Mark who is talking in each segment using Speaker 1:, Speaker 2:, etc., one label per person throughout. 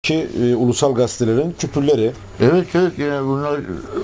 Speaker 1: Ki ulusal gazetelerin küpürleri.
Speaker 2: Evet evet, yani bunlar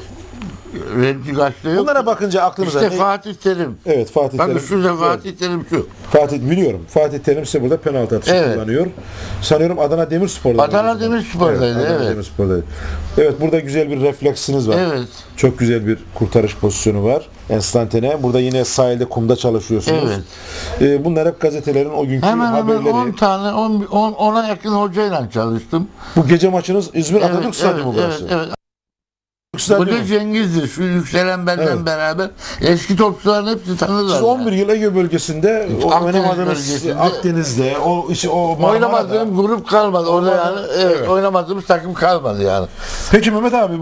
Speaker 2: renkli gazete yok.
Speaker 1: Bunlara bakınca aklınıza
Speaker 2: İşte Fatih Terim.
Speaker 1: Evet, Fatih
Speaker 2: Bakın
Speaker 1: Terim.
Speaker 2: şurada Fatih Terim şu.
Speaker 1: Fatih biliyorum. Fatih Terim ise burada penaltı atışı
Speaker 2: Evet.
Speaker 1: kullanıyor. Sanıyorum Adana Demirspor'da.
Speaker 2: Adana Demirspor'daydı,
Speaker 1: Adana
Speaker 2: evet.
Speaker 1: Demirspor'daydı. Evet, burada güzel bir refleksiniz var.
Speaker 2: Evet.
Speaker 1: Çok güzel bir kurtarış pozisyonu var. Enstantane. Burada yine sahilde kumda çalışıyorsunuz.
Speaker 2: Evet.
Speaker 1: Bunlar hep gazetelerin o günkü
Speaker 2: Hemen
Speaker 1: haberleri.
Speaker 2: 10 tane, 10'a yakın hocayla çalıştım.
Speaker 1: Bu gece maçınız İzmir Atatürk
Speaker 2: Evet,
Speaker 1: Stadyumu
Speaker 2: evet,
Speaker 1: burası.
Speaker 2: evet. Bu
Speaker 1: Stadyumu.
Speaker 2: da Cengiz'dir. Şu yükselen benden
Speaker 1: Evet.
Speaker 2: beraber. Eski topçuların hepsi tanırlar.
Speaker 1: Siz 11 yıl Ege bölgesinde
Speaker 2: Akdeniz
Speaker 1: oynamadığınız
Speaker 2: bölgesinde
Speaker 1: Akdeniz'de o Marmara'da.
Speaker 2: Oynamadığım grup kalmadı. Orada yani
Speaker 1: Evet.
Speaker 2: oynamadığımız takım kalmadı yani.
Speaker 1: Peki Mehmet abi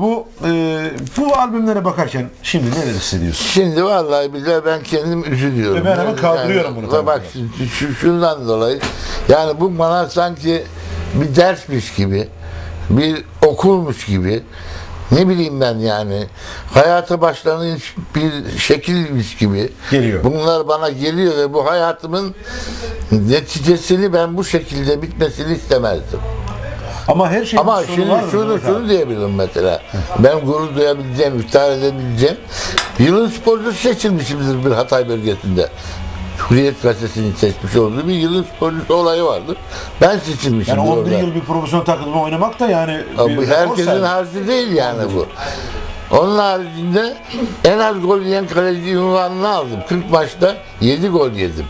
Speaker 1: bu albümlere bakarken şimdi neler hissediyorsun?
Speaker 2: Şimdi vallahi billahi ben kendim üzülüyorum.
Speaker 1: Ben hemen kaldırıyorum bunu tabii.
Speaker 2: Bak şundan dolayı yani bu bana sanki bir dersmiş gibi, bir okulmuş gibi, ne bileyim ben yani hayata başlangıç bir şekilmiş gibi
Speaker 1: Geliyor.
Speaker 2: bunlar bana geliyor ve bu hayatımın neticesini ben bu şekilde bitmesini istemezdim.
Speaker 1: Ama her şeyin
Speaker 2: Ama
Speaker 1: bir sonu
Speaker 2: şimdi
Speaker 1: var mı Mehmet
Speaker 2: şunu
Speaker 1: abi?
Speaker 2: diyebilirim mesela. Ben gurur duyabileceğim, iftihar edebileceğim. Yılın sporcusu seçilmişimdir bir Hatay bölgesinde. Hürriyet gazetesinin seçmiş olduğu bir yılın sporcusu olayı vardı. Ben seçilmişim.
Speaker 1: Yani 11
Speaker 2: orada.
Speaker 1: yıl bir profesyonel takımda oynamak da yani
Speaker 2: Ama bu
Speaker 1: bir rekor
Speaker 2: herkesin
Speaker 1: sayılır.
Speaker 2: harcı değil yani bu. Onun haricinde en az gol yiyen kaleci unvanını aldım. 40 maçta 7 gol yedim.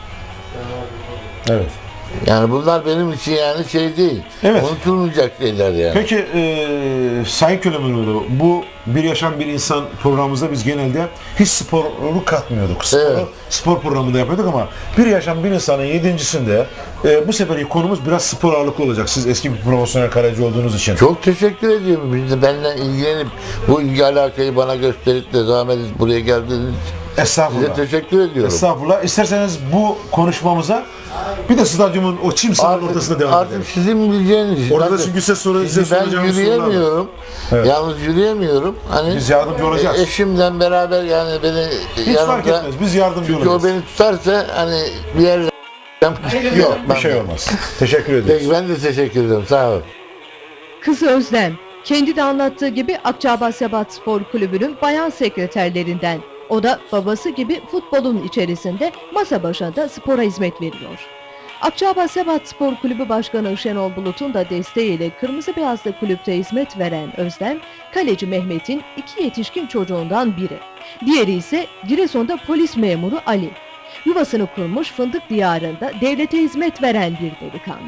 Speaker 1: Evet.
Speaker 2: Yani bunlar benim için yani şey değil.
Speaker 1: Evet.
Speaker 2: Unutulmayacak şeyler yani.
Speaker 1: Peki Sayın Kölemenoğlu, bu Bir Yaşam Bir İnsan programımızda biz genelde hiç sporu katmıyorduk.
Speaker 2: Evet.
Speaker 1: Spor programında yapıyorduk ama Bir Yaşam Bir İnsan'ın 7.sinde bu seferki konumuz biraz spor ağırlıklı olacak. Siz eski bir profesyonel kaleci olduğunuz için.
Speaker 2: Çok teşekkür ediyorum. Biz de benimle ilgilenip bu ilgi alakayı bana gösterip de zahmet edip buraya geldiğiniz için size
Speaker 1: Estağfurullah.
Speaker 2: teşekkür ediyorum.
Speaker 1: Estağfurullah. İsterseniz bu konuşmamıza bir de stadyumun o çim sahanın ortasında devam edelim.
Speaker 2: Artık sizin bileceğiniz.
Speaker 1: Orada da
Speaker 2: Bakın,
Speaker 1: çünkü size
Speaker 2: şimdi ben
Speaker 1: soracağımız sorular var.
Speaker 2: yürüyemiyorum.
Speaker 1: Evet.
Speaker 2: Yalnız yürüyemiyorum. Hani
Speaker 1: Biz yardımcı olacağız.
Speaker 2: Eşimle beraber yani beni
Speaker 1: Hiç fark etmez. Biz yardımcı
Speaker 2: çünkü
Speaker 1: olacağız.
Speaker 2: o beni tutarsa hani bir yerden
Speaker 1: Yok, bir şey olmaz. Teşekkür ederiz.
Speaker 2: Peki ben de teşekkür ederim. Sağ olun.
Speaker 3: Kızı Özlem, kendi de anlattığı gibi Akçaabat Sebat Spor Kulübü'nün bayan sekreterlerinden. O da babası gibi futbolun içerisinde masa başında spora hizmet veriyor. Akçaabat Sebat Spor Kulübü Başkanı Şenol Bulut'un da desteğiyle kırmızı beyazlı kulüpte hizmet veren Özlem, kaleci Mehmet'in 2 yetişkin çocuğundan biri. Diğeri ise Giresun'da polis memuru Ali. Yuvasını kurmuş Fındık diyarında devlete hizmet veren bir delikanlı.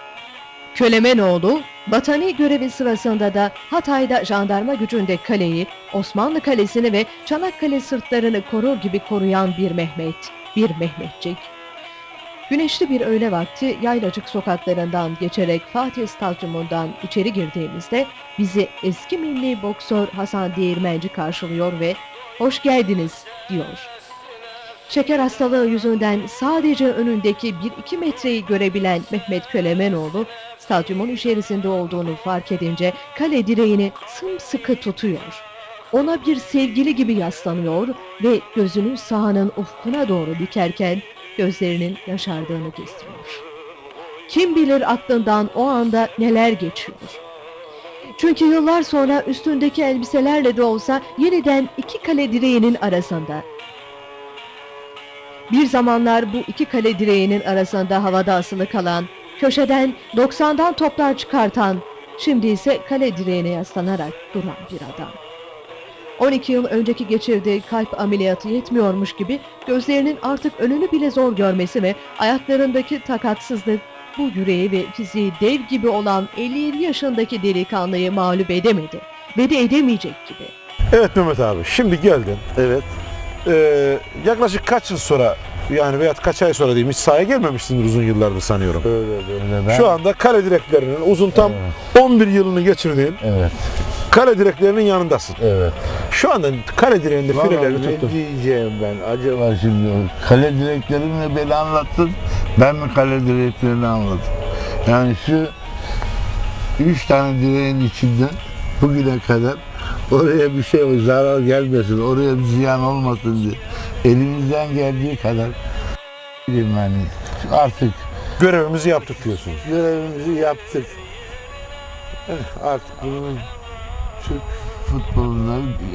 Speaker 3: Kölemenoğlu, vatani görevi sırasında da Hatay'da jandarma gücünde kaleyi, Osmanlı Kalesi'ni ve Çanakkale sırtlarını korur gibi koruyan bir Mehmet, bir Mehmetçik. Güneşli bir öğle vakti Yaylacık sokaklarından geçerek Fatih Stadyumundan içeri girdiğimizde bizi eski milli boksör Hasan Değirmenci karşılıyor ve "Hoş geldiniz" diyor. Şeker hastalığı yüzünden sadece önündeki 1-2 metreyi görebilen Mehmet Kölemenoğlu, stadyumun içerisinde olduğunu fark edince kale direğini sımsıkı tutuyor. Ona bir sevgili gibi yaslanıyor ve gözünü sahanın ufkuna doğru dikerken gözlerinin yaşardığını gösteriyor. Kim bilir aklından o anda neler geçiyor. Çünkü yıllar sonra üstündeki elbiselerle de olsa yeniden iki kale direğinin arasında. Bir zamanlar bu iki kale direğinin arasında havada asılı kalan, köşeden 90'dan toplar çıkartan, şimdi ise kale direğine yaslanarak duran bir adam. 12 yıl önceki geçirdiği kalp ameliyatı yetmiyormuş gibi gözlerinin artık önünü bile zor görmesi ve ayaklarındaki takatsızlık bu yüreği ve fiziği dev gibi olan 57 yaşındaki delikanlıyı mağlup edemedi ve de edemeyecek gibi.
Speaker 1: Evet Mehmet abi, şimdi geldin.
Speaker 2: Evet.
Speaker 1: Yaklaşık kaç yıl sonra yani veya kaç ay sonra diyeyim, hiç sahaya gelmemişsindir uzun yıllardır sanıyorum.
Speaker 2: Öyle ben.
Speaker 1: Şu anda kale direklerinin uzun tam 11 yılını geçirdiğin
Speaker 2: Evet.
Speaker 1: kale direklerinin yanındasın.
Speaker 2: Evet.
Speaker 1: Şu anda kale direğinde
Speaker 2: Vallahi
Speaker 1: filelerini
Speaker 2: ne
Speaker 1: tuttun.
Speaker 2: diyeceğim ben acaba şimdi kale direklerini beni anlattın, ben mi kale direklerini anlattım? Yani şu 3 tane direğin içinden bugüne kadar oraya bir şey zarar gelmesin, oraya bir ziyan olmasın diye elimizden geldiği kadar yani artık
Speaker 1: Görevimizi yaptık diyorsunuz.
Speaker 2: görevimizi yaptık. Artık bunun Türk futbolunda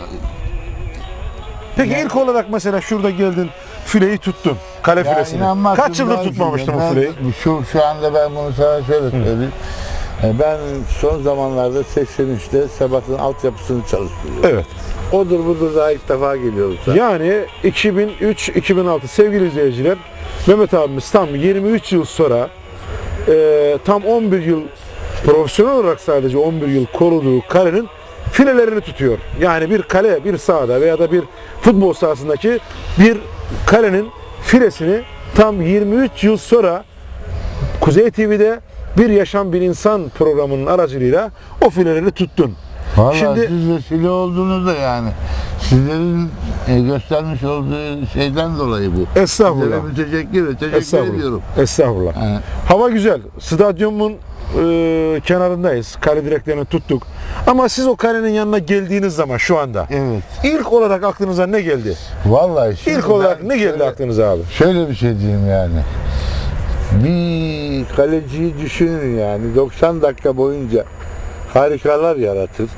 Speaker 1: Peki ilk olarak mesela şurada geldin, fileyi tuttun. Kale
Speaker 2: ya
Speaker 1: filesini.
Speaker 2: inanmazsın
Speaker 1: Kaç yıldır
Speaker 2: ben
Speaker 1: tutmamıştın
Speaker 2: şimdi,
Speaker 1: bu fileyi?
Speaker 2: Şu anda ben bunu sana şöyle söyleyeyim. Ben son zamanlarda 83'te Sebat'ın altyapısını çalıştırıyorum.
Speaker 1: Evet.
Speaker 2: Odur budur daha ilk defa geliyorum sana.
Speaker 1: Yani 2003-2006 sevgili izleyiciler, Mehmet abimiz tam 23 yıl sonra tam 11 yıl profesyonel olarak sadece 11 yıl koruduğu kalenin filelerini tutuyor. Yani bir kale, bir sahada veya da bir futbol sahasındaki bir kalenin filesini tam 23 yıl sonra Kuzey TV'de Bir Yaşam Bir İnsan programının aracılığıyla o fileleri tuttun.
Speaker 2: Vallahi
Speaker 1: Şimdi-
Speaker 2: siz vesile oldunuz da yani. Sizlerin göstermiş olduğu şeyden dolayı bu.
Speaker 1: Estağfurullah.
Speaker 2: Sizlere teşekkür
Speaker 1: Estağfurullah.
Speaker 2: ediyorum.
Speaker 1: Estağfurullah.
Speaker 2: Yani,
Speaker 1: Hava güzel. Stadyumun kenarındayız. Kale direklerini tuttuk. Ama siz o kalenin yanına geldiğiniz zaman şu anda
Speaker 2: evet.
Speaker 1: ilk olarak aklınıza ne geldi?
Speaker 2: Vallahi şimdi
Speaker 1: İlk olarak
Speaker 2: ben
Speaker 1: ne geldi
Speaker 2: şöyle-
Speaker 1: aklınıza abi?
Speaker 2: Şöyle bir şey diyeyim yani. Bir kaleciyi düşünün yani 90 dakika boyunca harikalar yaratır.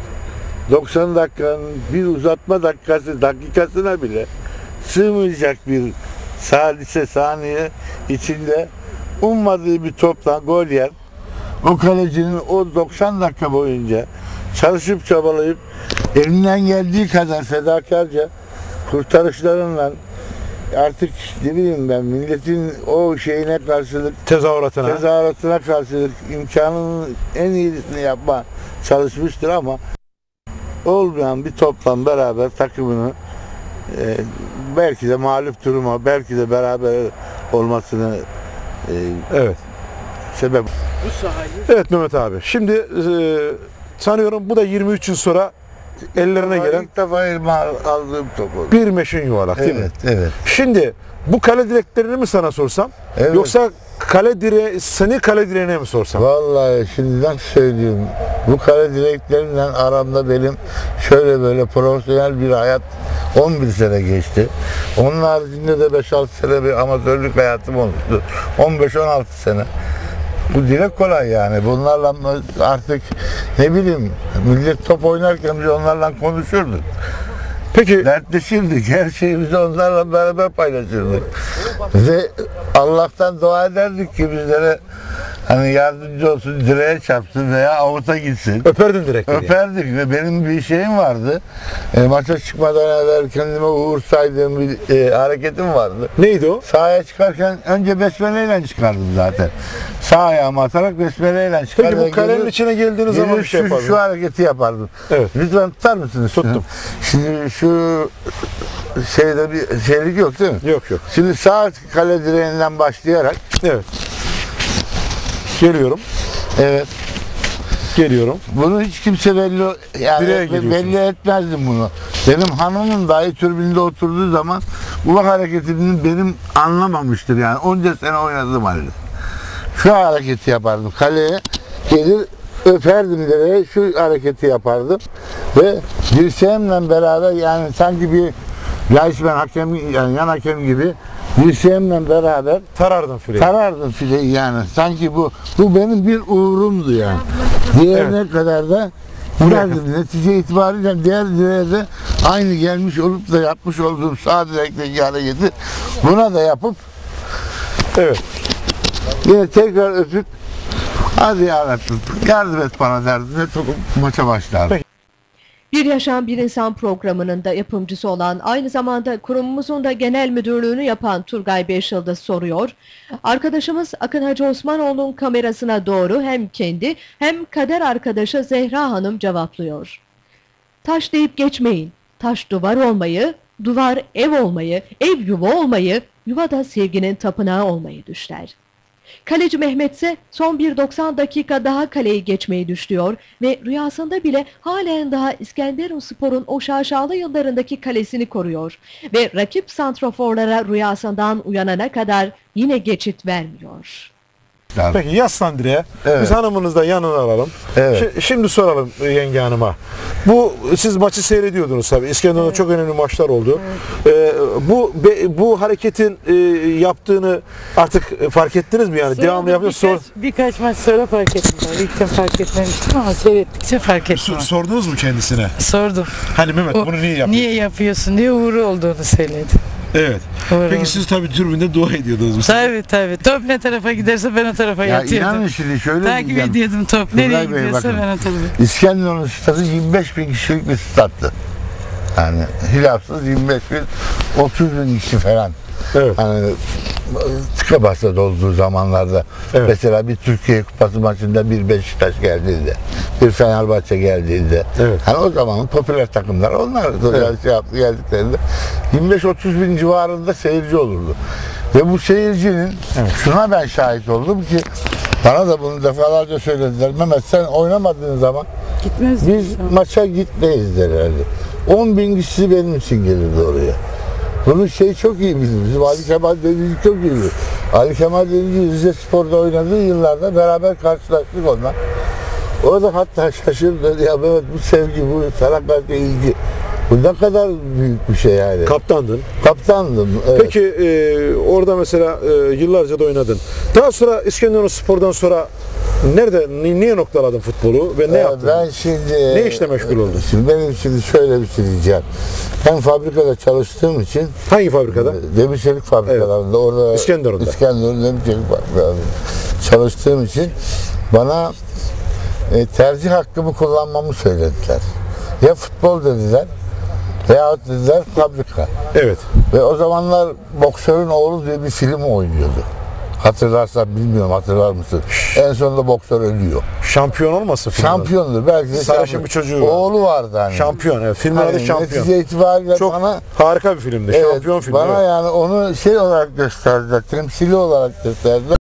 Speaker 2: 90 dakikanın bir uzatma dakikasına bile sığmayacak bir salise saniye içinde ummadığı bir topla gol yer. O kalecinin o 90 dakika boyunca çalışıp çabalayıp elinden geldiği kadar fedakarca kurtarışlarınla artık ne bileyim ben milletin o şeyine karşılık tezahüratına karşılık imkanının en iyisini yapma çalışmıştır ama olmayan bir toplam beraber takımını belki de mağlup duruma belki de beraber olmasını
Speaker 1: Evet.
Speaker 2: sebep.
Speaker 1: Evet Mehmet abi. Şimdi sanıyorum bu da 23 yıl sonra ellerine gelen
Speaker 2: İlk defa elime aldığım top oldu.
Speaker 1: bir meşin yuvarlak değil mi?
Speaker 2: Evet, evet.
Speaker 1: Şimdi bu kale direklerini mi sana sorsam?
Speaker 2: Evet.
Speaker 1: Yoksa seni kale direğine mi sorsam?
Speaker 2: Vallahi şimdiden söyleyeyim. Bu kale direkleriyle aramda benim şöyle böyle profesyonel bir hayat 11 sene geçti. Onun haricinde de 5-6 sene bir amatörlük hayatım olmuştu. 15-16 sene. Bu direkt kolay yani. Bunlarla artık ne bileyim millet top oynarken biz onlarla konuşurduk.
Speaker 1: Peki
Speaker 2: Dertleşirdik. Her şeyimizi onlarla beraber paylaşırdık. Ve Allah'tan dua ederdik ki bizlere hani yardımcı olsun, direğe çarpsın veya avuta gitsin.
Speaker 1: öperdin direkleri.
Speaker 2: Öperdik ve benim bir şeyim vardı. Maça çıkmadan evvel kendime uğur saydığım bir hareketim vardı.
Speaker 1: Neydi o?
Speaker 2: Sahaya çıkarken önce besmeleyle çıkardım zaten. Sağ ayağımı atarak besmeleyle çıkardım.
Speaker 1: Peki bu kalenin içine geldiğiniz zaman bir şey yapardın.
Speaker 2: Şu hareketi yapardım.
Speaker 1: Evet.
Speaker 2: Lütfen tutar mısınız?
Speaker 1: Tuttum.
Speaker 2: Şimdi şu şeyde bir şeylik yok değil mi?
Speaker 1: Yok yok.
Speaker 2: Şimdi sağ kale direğinden başlayarak
Speaker 1: Evet. Geliyorum.
Speaker 2: evet.
Speaker 1: Geliyorum.
Speaker 2: Bunu hiç kimse
Speaker 1: Direğe giriyorsunuz.
Speaker 2: belli etmezdim bunu. Benim hanımım dahi türbünde oturduğu zaman bu hareketini benim anlamamıştır yani. Onca sene oynadım halde. Şu hareketi yapardım. Kaleye gelir öperdim direğe şu hareketi yapardım. Ve dirseğimle beraber yani sanki bir Leisman hakem yani yan hakem gibi dirseğimle beraber
Speaker 1: Tarardın fileyi.
Speaker 2: tarardım fileyi yani. Sanki bu benim bir uğurumdu yani. Diğerine kadar da vurardım. Netice itibariyle diğer direğe de aynı gelmiş olup da yapmış olduğum sağ direkteki hareketi buna da yapıp
Speaker 1: Evet.
Speaker 2: yine tekrar öpüp hadi yarabbim yardım et bana derdim ve maça başlardım.
Speaker 1: Peki.
Speaker 3: Bir Yaşam Bir İnsan programının da yapımcısı olan, aynı zamanda kurumumuzun da genel müdürlüğünü yapan Turgay Beşyıldız soruyor. Arkadaşımız Akın Hacı Osmanoğlu'nun kamerasına doğru hem kendi hem kader arkadaşı Zehra Hanım cevaplıyor. Taş deyip geçmeyin. Taş duvar olmayı, duvar ev olmayı, ev yuva olmayı, yuva da sevginin tapınağı olmayı düşler. Kaleci Mehmet ise son bir 90 dakika daha kaleyi geçmeyi düşlüyor ve rüyasında bile halen daha İskenderunspor'un o şaşalı yıllarındaki kalesini koruyor ve rakip santraforlara rüyasından uyanana kadar yine geçit vermiyor.
Speaker 1: Peki yaslan direğe.
Speaker 2: Evet.
Speaker 1: Biz hanımınızı da yanına alalım.
Speaker 2: Evet.
Speaker 1: Şimdi soralım yenge hanıma. Siz maçı seyrediyordunuz tabii. İskenderun'da çok önemli maçlar oldu. Bu hareketin yaptığını artık fark ettiniz mi yani?
Speaker 4: Sonra
Speaker 1: Devamlı yapıyorsunuz.
Speaker 4: birkaç maç sonra fark ettim. İlk fark etmemiştim ama seyrettikçe fark ettim.
Speaker 1: Sordunuz mu kendisine?
Speaker 4: Sordum.
Speaker 1: Hani Mehmet bunu niye yapıyorsun?
Speaker 4: Niye yapıyorsun diye uğru olduğunu söyledi.
Speaker 1: Evet.
Speaker 4: Uğru
Speaker 1: Peki
Speaker 4: oldu.
Speaker 1: siz tabii tribünde dua ediyordunuz. bu sefer.
Speaker 4: Tabii. Top ne tarafa giderse ben o tarafa
Speaker 2: Ya
Speaker 4: yatıyordum.
Speaker 2: inanın şimdi şöyle
Speaker 4: Takip
Speaker 2: diyeceğim.
Speaker 4: ediyordum top.
Speaker 2: Turgay
Speaker 4: Nereye
Speaker 2: Bey,
Speaker 4: gidiyorsa
Speaker 2: bakın.
Speaker 4: ben o tarafa.
Speaker 2: İskenderun stadı 25 bin kişilik bir stattı. Yani hilafsız 25 bin, 30 bin kişi falan.
Speaker 1: Evet.
Speaker 2: Hani tıka basa dolduğu zamanlarda
Speaker 1: Evet.
Speaker 2: mesela bir Türkiye Kupası maçında bir Beşiktaş geldiğinde, bir Fenerbahçe geldiğinde,
Speaker 1: Evet.
Speaker 2: hani o zamanın popüler takımlar onlar
Speaker 1: Evet.
Speaker 2: geldiklerinde 25-30 bin civarında seyirci olurdu. Ve bu seyircinin şuna ben şahit oldum ki bana da bunu defalarca söylediler. Mehmet sen oynamadığın zaman
Speaker 4: Gitmez.
Speaker 2: biz maça gitmeyiz derlerdi. 10 bin kişi benim için gelirdi oraya. Bunun çok iyi bilir. Bizim Ali Kemal Denizci çok iyi bilir. Ali Kemal Denizci Rize Spor'da oynadığı yıllarda beraber karşılaştık onunla. O da hatta şaşırdı. Ya Mehmet bu sevgi, bu sana karşı ilgi. Bu ne kadar büyük bir şey yani.
Speaker 1: Kaptandın.
Speaker 2: Kaptandım. Evet.
Speaker 1: Peki orada mesela yıllarca da oynadın. Daha sonra İskenderunspor'dan sonra niye noktaladın futbolu ve ne yaptın?
Speaker 2: Ben şimdi...
Speaker 1: Ne işle meşgul oldun?
Speaker 2: Şimdi benim şimdi şöyle bir şey diyeceğim. Ben fabrikada çalıştığım için
Speaker 1: Hangi fabrikada?
Speaker 2: demir çelik fabrikalarında orada
Speaker 1: İskenderun'da.
Speaker 2: İskenderun demir çelik fabrikalarında çalıştığım için bana tercih hakkımı kullanmamı söylediler. Ya futbol dediler veyahut dediler fabrika.
Speaker 1: Evet.
Speaker 2: Ve o zamanlar Boksörün Oğlu diye bir film oynuyordu. Hatırlarsan bilmiyorum, hatırlar mısın? En sonunda boksör ölüyor.
Speaker 1: Şampiyon olmasın filmin adı?
Speaker 2: Şampiyondur belki de
Speaker 1: Sarışın
Speaker 2: şampiyon.
Speaker 1: bir çocuğu var.
Speaker 2: Oğlu vardı hani.
Speaker 1: Şampiyon. Evet. Filmin adı
Speaker 2: Hani
Speaker 1: Şampiyon.
Speaker 2: netice itibariyle
Speaker 1: Çok
Speaker 2: bana
Speaker 1: harika bir filmdi. Şampiyon filmi.
Speaker 2: bana
Speaker 1: evet.
Speaker 2: yani onu olarak gösterdiler, temsili olarak gösterdiler.